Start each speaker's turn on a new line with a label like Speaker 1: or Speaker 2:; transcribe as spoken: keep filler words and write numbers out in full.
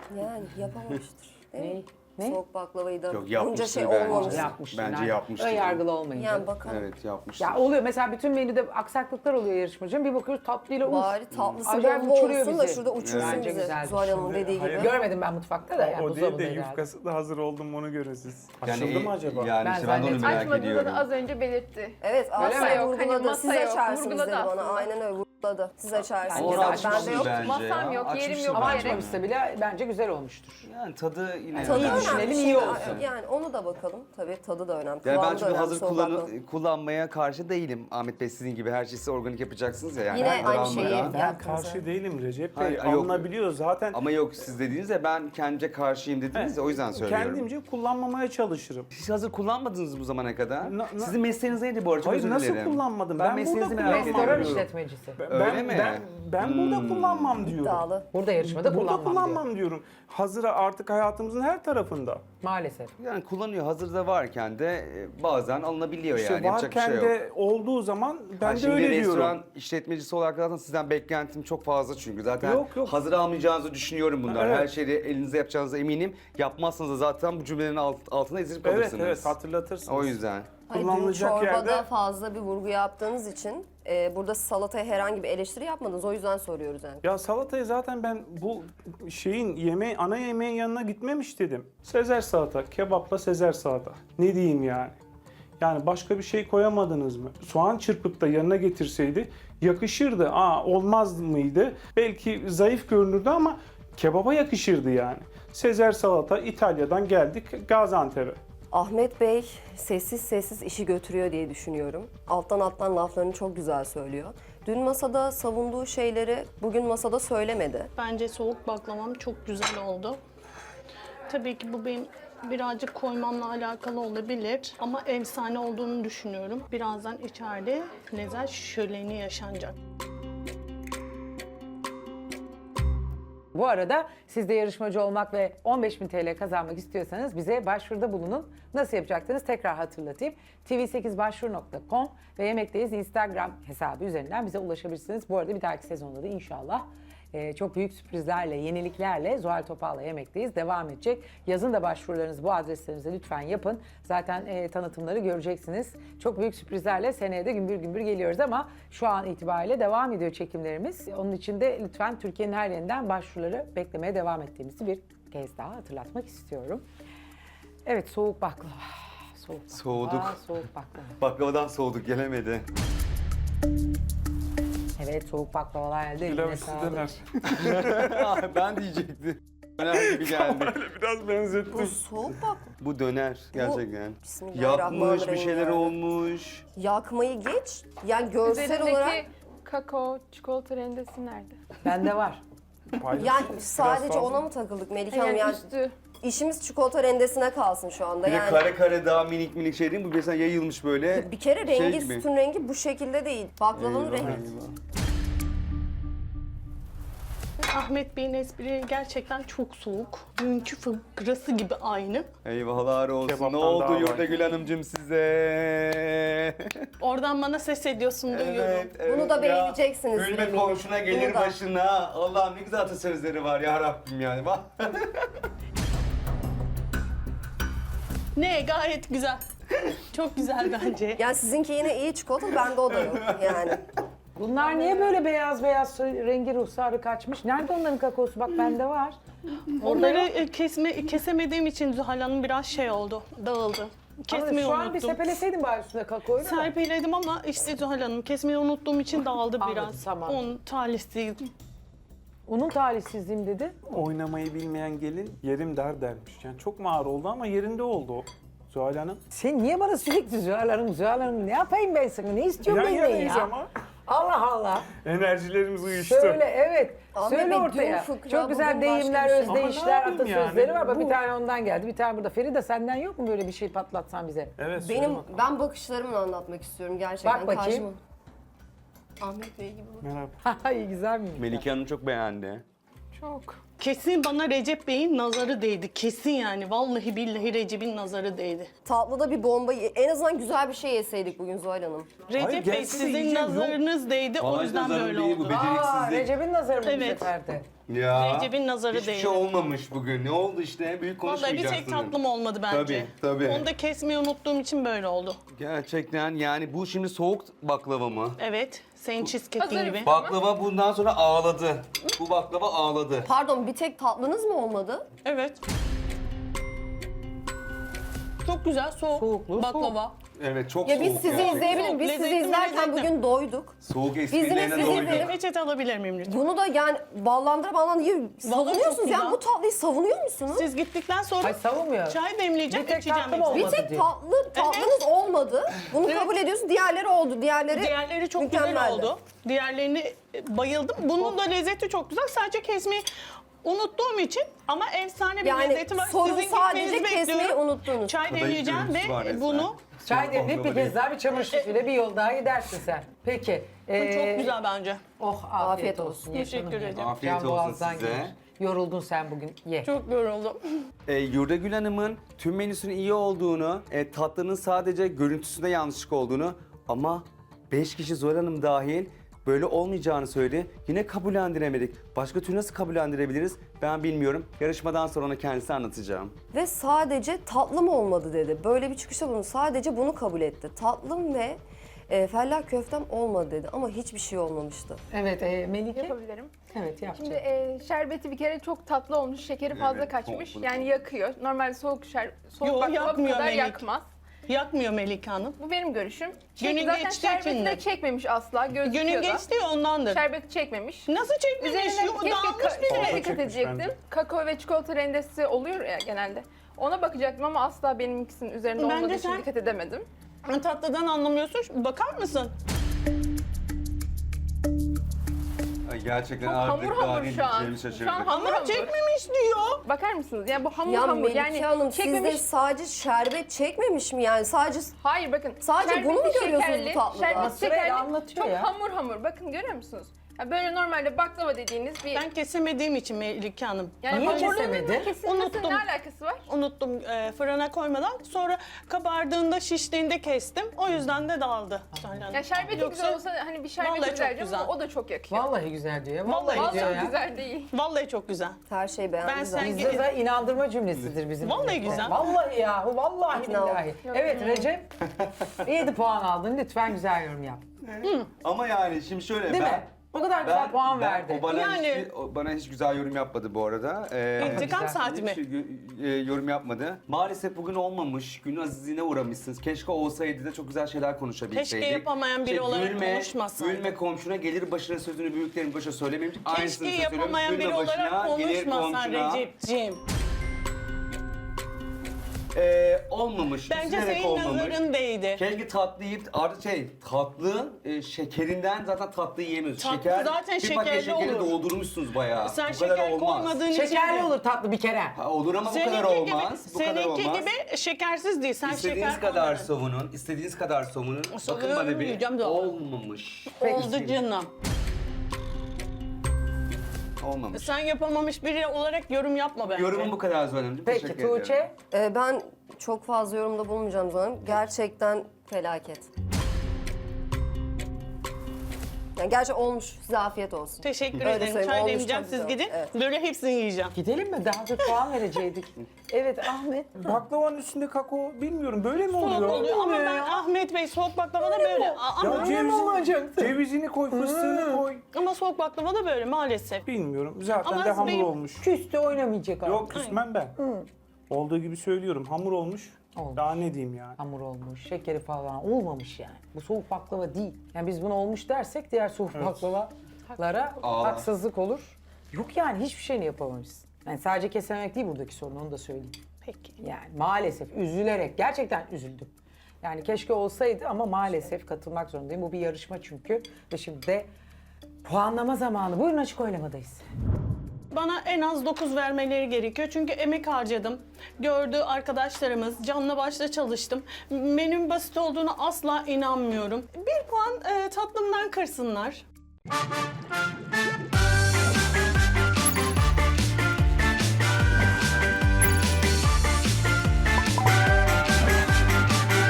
Speaker 1: Yani yapamamıştır. Değil mi?
Speaker 2: Ne?
Speaker 1: Soğuk baklavayı da
Speaker 3: Yok
Speaker 1: bunca
Speaker 3: yapmıştır
Speaker 1: şey
Speaker 3: bence.
Speaker 1: olmamış.
Speaker 2: Yapmıştır.
Speaker 3: Bence
Speaker 2: yani.
Speaker 3: yapmıştır.
Speaker 2: Ön yargılı olmayın.
Speaker 1: Yani bakalım.
Speaker 3: Evet yapmıştır.
Speaker 2: Ya oluyor mesela bütün menüde aksaklıklar oluyor yarışmacının. Bir bakıyoruz tatlıyla uf.
Speaker 1: Bari tatlısı
Speaker 2: Acayip
Speaker 1: bomba
Speaker 2: uçuruyor
Speaker 1: olsun da
Speaker 2: bizi.
Speaker 1: şurada uçursun
Speaker 2: Bence
Speaker 1: bizi.
Speaker 2: güzeldir.
Speaker 1: Zuhal Hanım'ın
Speaker 4: Şimdi
Speaker 1: dediği gibi.
Speaker 4: hayır.
Speaker 2: Görmedim ben mutfakta da yani
Speaker 4: O değil de
Speaker 2: buzdolabında herhalde.
Speaker 4: yufkası da hazır oldu mu onu görün siz.
Speaker 3: Yani,
Speaker 4: Açıldı mı acaba?
Speaker 3: Yani
Speaker 2: Ben
Speaker 3: işte ben de onu
Speaker 2: zannettim.
Speaker 3: merak
Speaker 5: Açmadığını
Speaker 3: ediyorum.
Speaker 5: da az önce belirtti.
Speaker 1: Evet
Speaker 2: Öyle
Speaker 1: Asya
Speaker 2: mi?
Speaker 5: Yok,
Speaker 1: vurguladı.
Speaker 5: hani masa
Speaker 1: Siz
Speaker 5: yok,
Speaker 1: açarsınız
Speaker 5: vurguladı
Speaker 1: dedi bana.
Speaker 5: aslında.
Speaker 1: Aynen öyle vurguladı. Siz açarsınız.
Speaker 2: Bence
Speaker 3: Onu
Speaker 2: de
Speaker 3: açmıştır
Speaker 1: Bende yok.
Speaker 3: bence
Speaker 5: Masam
Speaker 3: ya.
Speaker 5: yok, yerim
Speaker 3: Açmıştır
Speaker 5: yok
Speaker 2: Ama
Speaker 5: bir
Speaker 3: bence.
Speaker 5: yere.
Speaker 2: açmamışsa bile bence güzel olmuştur.
Speaker 3: Yani tadı yine.
Speaker 1: Tadı
Speaker 2: İyi
Speaker 1: önemli.
Speaker 2: düşünelim, iyi
Speaker 1: Şimdi,
Speaker 2: olsun.
Speaker 1: Yani onu da bakalım. Tabii tadı da önemli.
Speaker 3: Yani
Speaker 1: Kıvamı
Speaker 3: ben
Speaker 1: da
Speaker 3: çünkü
Speaker 1: önemli.
Speaker 3: hazır
Speaker 1: soğuk
Speaker 3: kullanı-
Speaker 1: baklava.
Speaker 3: kullanmaya karşı değilim. Ahmet Bey sizin gibi her şeyi organik yapacaksınız ya. Yani
Speaker 1: Yine
Speaker 3: hazır
Speaker 1: aynı şeyi
Speaker 3: almadan.
Speaker 4: Ben
Speaker 1: yaptınız.
Speaker 4: karşı değilim Recep Bey.
Speaker 3: Hayır, yok.
Speaker 4: Alınabiliyor zaten.
Speaker 3: Ama yok siz dediğiniz de ben kendimce karşıyım dediniz ya o yüzden söylüyorum.
Speaker 4: Kendimce kullanmamaya çalışırım.
Speaker 3: Siz hazır kullanmadınız bu zamana kadar.
Speaker 4: Na- na-
Speaker 3: Sizin mesleğiniz neydi bu arada? Çok
Speaker 4: Hayır
Speaker 3: özür
Speaker 4: nasıl
Speaker 3: dilerim.
Speaker 4: kullanmadım?
Speaker 3: Ben,
Speaker 4: Ben
Speaker 3: mesleğinizi
Speaker 4: burada
Speaker 3: merak
Speaker 4: kullanmam.
Speaker 2: Restoran
Speaker 3: ediyorum.
Speaker 2: işletmecisi.
Speaker 4: Ben,
Speaker 3: Öyle mi?
Speaker 4: Ben, ben burada kullanmam diyorum.
Speaker 1: İddialı.
Speaker 2: Burada yarışmada
Speaker 4: Burada
Speaker 2: kullanmam,
Speaker 4: kullanmam
Speaker 2: diyor.
Speaker 4: diyorum. Hazıra artık hayatımızın her tarafında.
Speaker 2: Maalesef.
Speaker 3: Yani kullanıyor hazırda varken de e, bazen alınabiliyor
Speaker 4: İşte
Speaker 3: yani yapacak bir
Speaker 4: varken
Speaker 3: şey yok.
Speaker 4: de olduğu zaman ben
Speaker 3: Ha,
Speaker 4: de
Speaker 3: şimdi
Speaker 4: öyle
Speaker 3: restoran
Speaker 4: diyorum.
Speaker 3: işletmecisi olarak zaten sizden beklentim çok fazla çünkü. Zaten
Speaker 4: Yok, yok.
Speaker 3: hazır almayacağınızı düşünüyorum bunlar.
Speaker 4: Evet.
Speaker 3: Her şeyi elinize yapacağınıza eminim. Yapmazsanız da zaten bu cümlelerin alt, altına ezilip
Speaker 4: Evet
Speaker 3: kalırsınız.
Speaker 4: evet hatırlatırsınız.
Speaker 3: O yüzden.
Speaker 1: Hayır, dün
Speaker 4: Kullanılacak
Speaker 1: çorbada
Speaker 4: yerde-
Speaker 1: fazla bir vurgu yaptığınız için e, burada salataya herhangi bir eleştiri yapmadınız. O yüzden soruyoruz yani.
Speaker 4: Ya salatayı zaten ben bu şeyin yemeği ana yemeğin yanına gitmemiş dedim. Sezer salata, kebapla Sezer salata. Ne diyeyim yani? Yani başka bir şey koyamadınız mı? Soğan çırpıp da yanına getirseydi yakışırdı. Aa olmaz mıydı? Belki zayıf görünürdü ama kebaba yakışırdı yani. Sezer salata İtalya'dan geldik Gaziantep'e.
Speaker 1: Ahmet Bey sessiz sessiz işi götürüyor diye düşünüyorum. Alttan alttan laflarını çok güzel söylüyor. Dün masada savunduğu şeyleri bugün masada söylemedi.
Speaker 6: Bence soğuk baklavam çok güzel oldu. Tabii ki bu benim birazcık koymamla alakalı olabilir ama efsane olduğunu düşünüyorum. Birazdan içeride lezzet şöleni yaşanacak.
Speaker 2: Bu arada siz de yarışmacı olmak ve on beş bin T L kazanmak istiyorsanız bize başvuruda bulunun. Nasıl yapacaksınız tekrar hatırlatayım. T V sekiz başvuru nokta com ve Yemekteyiz Instagram hesabı üzerinden bize ulaşabilirsiniz. Bu arada bir dahaki sezonda da inşallah e, çok büyük sürprizlerle, yeniliklerle Zuhal Topal'la Yemekteyiz devam edecek. Yazın da başvurularınızı bu adreslerinize lütfen yapın. Zaten e, tanıtımları göreceksiniz. Çok büyük sürprizlerle seneye de gümbür gümbür geliyoruz ama şu an itibariyle devam ediyor çekimlerimiz. Onun için de lütfen Türkiye'nin her yerinden başvuruları beklemeye devam ettiğimizi bir kez daha hatırlatmak istiyorum. Evet, soğuk baklava. Soğuk baklava,
Speaker 3: Soğuduk.
Speaker 2: Soğuk baklava.
Speaker 3: Baklavadan soğuduk gelemedi.
Speaker 2: Evet, soğuk baklavalar elde. eline
Speaker 4: Pilav
Speaker 2: sağlık.
Speaker 4: döner.
Speaker 3: Ben diyecektim. Döner gibi geldi.
Speaker 4: Biraz benzettim.
Speaker 1: Bu soğuk bak.
Speaker 3: Bu döner gerçekten.
Speaker 1: Bismillahirrahmanirrahim
Speaker 3: Yapmış bir şeyler
Speaker 1: yani.
Speaker 3: olmuş.
Speaker 1: Yakmayı geç. Yani görsel
Speaker 5: Üzerindeki
Speaker 1: olarak
Speaker 5: kakao, çikolata rendesi nerede?
Speaker 2: Bende var.
Speaker 1: yani
Speaker 4: Biraz
Speaker 1: sadece
Speaker 4: fazla.
Speaker 1: ona mı takıldık Melike Hanım?
Speaker 5: Yani
Speaker 1: Yani
Speaker 5: üstü.
Speaker 1: işimiz çikolata rendesine kalsın şu anda
Speaker 3: Bir de
Speaker 1: yani.
Speaker 3: kare kare daha minik minik şey değil mi? Bu mesela yayılmış böyle.
Speaker 1: Bir kere
Speaker 3: şey
Speaker 1: rengi,
Speaker 3: gibi.
Speaker 1: sütün rengi bu şekilde değil. Baklavanın
Speaker 3: Eyvah,
Speaker 1: rengi.
Speaker 3: eyvah.
Speaker 6: Ahmet Bey'in esprileri gerçekten çok soğuk. Dünkü fıkrası gibi aynı.
Speaker 3: Eyvahlar olsun.
Speaker 4: Kebaptan
Speaker 3: ne oldu
Speaker 4: daha var.
Speaker 3: Yurdagül Hanımcığım size?
Speaker 6: Oradan bana ses ediyorsun duyuyorum.
Speaker 1: Bunu da
Speaker 3: ya.
Speaker 1: beğeneceksiniz
Speaker 3: Gülme
Speaker 1: eminim.
Speaker 3: komşuna gelir
Speaker 1: Bunu da.
Speaker 3: başına. Allah'ım ne güzel atasözleri var ya Rabbim yani. Bak.
Speaker 6: Ne gayet güzel. Çok güzel bence.
Speaker 1: Yani sizinki yine iyi çikolata, bende o da yok yani.
Speaker 2: Bunlar niye böyle beyaz beyaz rengi ruhsarı kaçmış? Nerede onların kakaosu? Bak bende var.
Speaker 6: Onları e, kesme, kesemediğim için Zuhal Hanım biraz şey oldu, dağıldı.
Speaker 2: Ama
Speaker 6: Kesmeyi
Speaker 2: şu an bir
Speaker 6: unuttum.
Speaker 2: sepeleseydin bari üstüne kakaoyu. da.
Speaker 6: Serpeledim ama işte Zuhal Hanım kesmeyi unuttuğum için dağıldı
Speaker 2: Anladım,
Speaker 6: biraz.
Speaker 2: tamam.
Speaker 6: On talihsizim.
Speaker 2: Unun talihsizliğim dedi.
Speaker 4: Oynamayı bilmeyen gelin yerim der dermiş. Yani çok mu ağır oldu ama yerinde oldu o. Zuhal Hanım.
Speaker 2: Sen niye bana sürekli Zuhal Hanım, Zuhal Hanım ne yapayım ben sana? Ne istiyorsun
Speaker 4: Yan
Speaker 2: benden
Speaker 4: yanayız
Speaker 2: ya?
Speaker 4: ama
Speaker 2: Allah Allah.
Speaker 4: enerjilerimiz uyuştu.
Speaker 2: Söyle evet.
Speaker 1: Ahmet
Speaker 2: Söyle
Speaker 1: Bey, dün
Speaker 2: ortaya.
Speaker 1: fıkra,
Speaker 2: Çok güzel
Speaker 1: bugün başka
Speaker 2: deyimler,
Speaker 1: bir şey.
Speaker 4: Ama ne
Speaker 2: özdeyişler,
Speaker 4: yapayım
Speaker 2: atasözleri
Speaker 4: yani?
Speaker 2: var. Bak bir
Speaker 4: Bu-
Speaker 2: tane ondan geldi, bir tane burada. Feride senden yok mu böyle bir şey patlatsan bize?
Speaker 4: Evet. söyle
Speaker 1: Benim,
Speaker 4: bakalım.
Speaker 1: ben bakışlarımla anlatmak istiyorum gerçekten.
Speaker 2: Bak bakayım.
Speaker 1: Karşıma- Ahmet Bey gibi bak.
Speaker 4: Merhaba.
Speaker 2: İyi güzel mi?
Speaker 3: Melike Hanım çok beğendi.
Speaker 5: Çok.
Speaker 6: Kesin bana Recep Bey'in nazarı değdi. Kesin yani. Vallahi billahi Recep'in nazarı değdi.
Speaker 1: Tatlıda bir bomba, en azından güzel bir şey yeseydik bugün Zuhal Hanım.
Speaker 6: Recep Bey
Speaker 4: gelse de
Speaker 6: sizin
Speaker 4: yiyeceğim, yok.
Speaker 6: nazarınız değdi. O
Speaker 3: Vallahi
Speaker 6: yüzden
Speaker 3: nazarım
Speaker 6: böyle
Speaker 3: değil, bu
Speaker 6: oldu.
Speaker 3: beceriksizlik.
Speaker 2: Aa, Recep'in nazarı mı bu
Speaker 6: Evet.
Speaker 2: seferde?
Speaker 3: Ya.
Speaker 6: Recep'in nazarı
Speaker 3: Hiçbir
Speaker 6: değil.
Speaker 3: şey olmamış bugün. Ne oldu işte? Büyük
Speaker 6: Vallahi bir
Speaker 3: konuşmayacaksın.
Speaker 6: tek tatlım olmadı bence.
Speaker 3: Tabii, tabii.
Speaker 6: Onu da kesmeyi unuttuğum için böyle oldu.
Speaker 3: Gerçekten yani bu şimdi soğuk baklava mı?
Speaker 6: Evet, senin cheesecake'in
Speaker 5: Hazır.
Speaker 6: gibi.
Speaker 3: Baklava bundan sonra ağladı. Bu baklava ağladı.
Speaker 1: Pardon, bir tek tatlınız mı olmadı?
Speaker 6: Evet. Çok güzel, soğuk,
Speaker 2: Soğukluğu
Speaker 6: baklava.
Speaker 3: Evet çok
Speaker 1: Ya
Speaker 3: soğuk.
Speaker 1: biz sizi
Speaker 3: gerçekten.
Speaker 1: izleyebilirim. Biz sizi
Speaker 6: Lezzetli mi,
Speaker 1: izlerken
Speaker 6: lezzetli?
Speaker 1: bugün doyduk.
Speaker 3: Soğuk
Speaker 1: yine
Speaker 3: esprilerine
Speaker 1: sizi
Speaker 3: doyduk.
Speaker 1: izleyelim.
Speaker 6: Reçete alabilir miyim lütfen?
Speaker 1: Bunu da yani ballandıra ballandıra yiyor. savunuyorsunuz
Speaker 6: çok
Speaker 1: yani
Speaker 6: güzel.
Speaker 1: bu tatlıyı savunuyor musunuz?
Speaker 6: Siz gittikten sonra
Speaker 2: Ay savunmuyor.
Speaker 6: çay demleyeceğim,
Speaker 2: Bir tek
Speaker 6: içeceğim.
Speaker 2: tatlım
Speaker 6: hepsini.
Speaker 2: olmadı.
Speaker 1: Bir tek
Speaker 2: diyor.
Speaker 1: tatlı tatlınız olmadı. Bunu
Speaker 6: Evet.
Speaker 1: kabul ediyorsun. Diğerleri oldu. Diğerleri
Speaker 6: Diğerleri çok güzel
Speaker 1: mükemmeldi.
Speaker 6: oldu. Diğerlerini e, bayıldım. Bunun da lezzeti çok güzel. Sadece kesmeyi unuttuğum için ama efsane bir
Speaker 1: Yani
Speaker 6: lezzeti var.
Speaker 1: sorun
Speaker 6: Sizin
Speaker 1: sadece
Speaker 6: gitmenizi
Speaker 1: kesmeyi
Speaker 6: bekliyorum.
Speaker 1: unuttunuz.
Speaker 6: Çay
Speaker 3: Kadayıf
Speaker 6: demleyeceğim
Speaker 3: görüntüsü var
Speaker 6: ve
Speaker 3: resmen.
Speaker 6: bunu
Speaker 2: Çay demleyip bir
Speaker 3: baklava
Speaker 2: kez daha bir çamaşır suyuyla bir yol daha gidersin sen. Peki.
Speaker 6: bu
Speaker 2: ee,
Speaker 6: çok güzel bence.
Speaker 2: Oh afiyet,
Speaker 1: Afiyet
Speaker 2: olsun.
Speaker 1: olsun.
Speaker 2: Ye
Speaker 6: Teşekkür
Speaker 2: canım ye.
Speaker 6: ederim.
Speaker 3: Afiyet
Speaker 2: Can
Speaker 3: olsun
Speaker 2: boğazdan
Speaker 3: size.
Speaker 2: gelir. Yoruldun sen bugün. Ye.
Speaker 6: Çok yoruldum.
Speaker 3: E, Yurdagül Hanım'ın tüm menüsünün iyi olduğunu, e, tatlının sadece görüntüsünde yanlışlık olduğunu ama beş kişi Zuhal Hanım dahil böyle olmayacağını söyledi. Yine kabullendiremedik. Başka türlü nasıl kabullendirebiliriz ben bilmiyorum. Yarışmadan sonra ona kendisi anlatacağım.
Speaker 1: Ve sadece tatlım olmadı dedi. Böyle bir çıkışta bunu sadece bunu kabul etti. Tatlım ve e, fellah köftem olmadı dedi ama hiçbir şey olmamıştı.
Speaker 2: Evet e, Melike.
Speaker 5: Yapabilirim.
Speaker 2: Evet yap.
Speaker 5: Şimdi
Speaker 2: canım.
Speaker 5: e, şerbeti bir kere çok tatlı olmuş, şekeri fazla
Speaker 3: Evet,
Speaker 5: kaçmış.
Speaker 3: çok-
Speaker 5: Yani yakıyor. Normalde soğuk şer soğuk
Speaker 6: Yo,
Speaker 5: baklava bu
Speaker 6: yakmıyor
Speaker 5: kadar
Speaker 6: Melek.
Speaker 5: yakmaz.
Speaker 6: Yakmıyor Melike Hanım.
Speaker 5: Bu benim görüşüm.
Speaker 6: Günün
Speaker 5: Çünkü zaten
Speaker 6: geçtiği için
Speaker 5: şerbeti
Speaker 6: de.
Speaker 5: de çekmemiş asla. Gözüküyor
Speaker 6: Günün
Speaker 5: da.
Speaker 6: geçti ya ondandır.
Speaker 5: Şerbeti çekmemiş.
Speaker 6: Nasıl çekmemiş?
Speaker 5: Üzerine
Speaker 6: Yo,
Speaker 5: keşke
Speaker 6: dağılmış
Speaker 5: ka-
Speaker 6: bile.
Speaker 5: şeye
Speaker 4: Fazla
Speaker 5: dikkat
Speaker 4: çekmiş
Speaker 5: edecektim.
Speaker 4: bence.
Speaker 5: Kakao ve çikolata rendesi oluyor ya genelde. Ona bakacaktım ama asla benimkisinin üzerinde
Speaker 6: Bence
Speaker 5: olmadığı için
Speaker 6: sen-
Speaker 5: dikkat edemedim.
Speaker 6: Tatlıdan anlamıyorsun. Bakar mısın?
Speaker 3: Ay, gerçekten
Speaker 5: Çok
Speaker 3: artık
Speaker 5: hamur hamur
Speaker 3: daha
Speaker 5: şu an.
Speaker 3: ne
Speaker 5: Şu an
Speaker 3: şaşırdık.
Speaker 5: hamur
Speaker 6: Ama
Speaker 5: hamur.
Speaker 6: çekmemiş diyor.
Speaker 5: Bakar mısınız? Yani bu hamur
Speaker 1: Ya
Speaker 5: hamur.
Speaker 1: Melike
Speaker 5: Yani
Speaker 1: Hanım
Speaker 5: çekmemiş.
Speaker 1: sizde sadece şerbet çekmemiş mi yani sadece
Speaker 5: Hayır bakın.
Speaker 1: Sadece
Speaker 5: şerbeti
Speaker 1: bunu mu görüyorsunuz
Speaker 5: şekerli,
Speaker 1: bu tatlıda?
Speaker 5: Şerbet
Speaker 2: Sırayla
Speaker 5: şekerli,
Speaker 2: anlatıyor
Speaker 5: çok
Speaker 2: ya.
Speaker 5: hamur hamur. Bakın görüyor musunuz? Ya böyle normalde baklava dediğiniz bir...
Speaker 6: Ben kesemediğim için Melike Hanım.
Speaker 5: yani
Speaker 2: Niye
Speaker 5: hamurluğunun
Speaker 2: kesemedin?
Speaker 5: kesilmesinin
Speaker 6: Unuttum.
Speaker 5: ne alakası var?
Speaker 6: Unuttum e, fırına koymadan. Sonra kabardığında, şiştiğinde kestim. O yüzden de dağıldı.
Speaker 5: Ya şerbeti
Speaker 6: Yoksa-
Speaker 5: güzel olsa hani bir şerbeti
Speaker 6: Vallahi çok
Speaker 5: güzel
Speaker 6: güzel.
Speaker 5: ama o da çok yakıyor.
Speaker 2: Vallahi güzel diyor ya.
Speaker 6: Vallahi
Speaker 2: Vallahi, diyor
Speaker 5: Vallahi
Speaker 2: ya.
Speaker 5: güzel değil.
Speaker 6: Vallahi çok güzel.
Speaker 1: her şey beğendi
Speaker 6: Ben
Speaker 1: zaten.
Speaker 6: sen-
Speaker 2: Bizde de inandırma cümlesidir bizim.
Speaker 6: Vallahi
Speaker 2: millet.
Speaker 6: güzel.
Speaker 2: Vallahi ya. Vallahi
Speaker 1: İkna oldum.
Speaker 2: billahi. Evet Recep. yedi puan aldın. Lütfen güzel yorum yap.
Speaker 3: Ama yani şimdi şöyle
Speaker 2: Değil
Speaker 3: ben...
Speaker 2: mi? O kadar güzel puan
Speaker 3: ben-
Speaker 2: verdi.
Speaker 3: O bana,
Speaker 6: Yani-
Speaker 3: hiç, o bana hiç güzel yorum yapmadı bu arada. Ee,
Speaker 6: İntikam
Speaker 2: güzel.
Speaker 6: saati mi?
Speaker 3: Hiçbir şey gö- e, yorum yapmadı. Maalesef bugün olmamış. Günün azizliğine uğramışsınız. Keşke olsaydı da çok güzel şeyler konuşabilseydik.
Speaker 6: Keşke yapamayan biri olarak konuşmasaydı.
Speaker 3: Gülme komşuna gelir başına sözünü büyüklerin başına söylemeyeyim. Aynısını
Speaker 6: Keşke
Speaker 3: söylüyorum.
Speaker 6: yapamayan
Speaker 3: Gülme
Speaker 6: biri olarak
Speaker 3: başına, gelir
Speaker 6: konuşmasan
Speaker 3: komşuna.
Speaker 6: Recep'ciğim.
Speaker 3: Ee, olmamış.
Speaker 6: Bence
Speaker 3: Üzülerek
Speaker 6: senin
Speaker 3: olmamış.
Speaker 6: nazarın değdi.
Speaker 3: Keşke tatlı yiyip artık şey tatlı e, şekerinden zaten tatlı yiyemiyoruz.
Speaker 6: Tatlı
Speaker 3: Şeker,
Speaker 6: zaten
Speaker 3: bir paket
Speaker 6: şekerli
Speaker 3: şekeri
Speaker 6: olur.
Speaker 3: doldurmuşsunuz bayağı.
Speaker 6: Sen
Speaker 3: bu kadar
Speaker 6: şeker
Speaker 3: olmaz.
Speaker 6: koymadığın için...
Speaker 2: Şekerli olur tatlı bir kere.
Speaker 3: Ha, olur ama bu kadar
Speaker 6: Seninki
Speaker 3: olmaz.
Speaker 6: gibi,
Speaker 3: bu kadar
Speaker 6: seninki
Speaker 3: olmaz.
Speaker 6: gibi şekersiz değil. Sen
Speaker 3: İstediğiniz
Speaker 6: şeker
Speaker 3: kadar
Speaker 6: koymadın.
Speaker 3: savunun, istediğiniz kadar savunun. Bakın
Speaker 6: Savunuyorum,
Speaker 3: bana bir
Speaker 6: yiyeceğim de.
Speaker 3: olmamış.
Speaker 6: Oldu canım.
Speaker 3: Olmamış.
Speaker 6: Sen yapamamış biri olarak yorum yapma bence.
Speaker 3: Yorumum bu kadar Zuhal
Speaker 2: Peki
Speaker 3: Teşekkür ederim.
Speaker 2: Tuğçe.
Speaker 1: Ee, ben çok fazla yorumda bulunmayacağım zaten. Gerçekten felaket. Yani gerçi olmuş. Size afiyet olsun.
Speaker 6: Teşekkür
Speaker 1: Öyle
Speaker 6: ederim.
Speaker 1: söyleyeyim,
Speaker 6: Çay
Speaker 1: olmuş,
Speaker 6: demeyeceğim,
Speaker 1: çok
Speaker 6: siz
Speaker 1: güzel.
Speaker 6: gidin.
Speaker 1: Evet.
Speaker 6: Böyle hepsini yiyeceğim.
Speaker 2: Gidelim mi? Daha çok puan verecektik. Evet Ahmet.
Speaker 4: Baklavanın üstünde kakao bilmiyorum böyle mi
Speaker 6: Soğuk
Speaker 4: oluyor?
Speaker 6: oluyor ama ben Ahmet Bey soğuk baklava da böyle. Aa,
Speaker 4: Ya
Speaker 6: Ama,
Speaker 4: cevizini, cevizini koy, fıstığını koy.
Speaker 6: ama soğuk baklava da böyle maalesef.
Speaker 4: Bilmiyorum. Zaten
Speaker 6: Ama
Speaker 4: de hamur
Speaker 6: benim-
Speaker 4: olmuş.
Speaker 2: Küstü oynamayacak abi.
Speaker 4: Yok küsmem ben. Olduğu gibi söylüyorum. Hamur olmuş.
Speaker 2: Olmuş.
Speaker 4: Daha ne diyeyim yani.
Speaker 2: Hamur olmuş, şekeri falan olmamış yani. Bu soğuk baklava değil. Yani biz buna olmuş dersek diğer soğuk baklavalara
Speaker 3: Aa.
Speaker 2: haksızlık olur. Yok yani hiçbir şeyini yapamamışsın. Yani sadece kesememek değil buradaki sorun, onu da söyleyeyim.
Speaker 6: Peki.
Speaker 2: Yani maalesef üzülerek, gerçekten üzüldüm. Yani keşke olsaydı ama maalesef katılmak zorundayım. Bu bir yarışma çünkü. Ve şimdi de puanlama zamanı. Buyurun açık oylamadayız.
Speaker 6: Bana en az dokuz vermeleri gerekiyor. Çünkü emek harcadım. Gördüğü arkadaşlarımız, canla başla çalıştım. Menüm basit olduğunu asla inanmıyorum. Bir puan e, tatlımdan kırsınlar.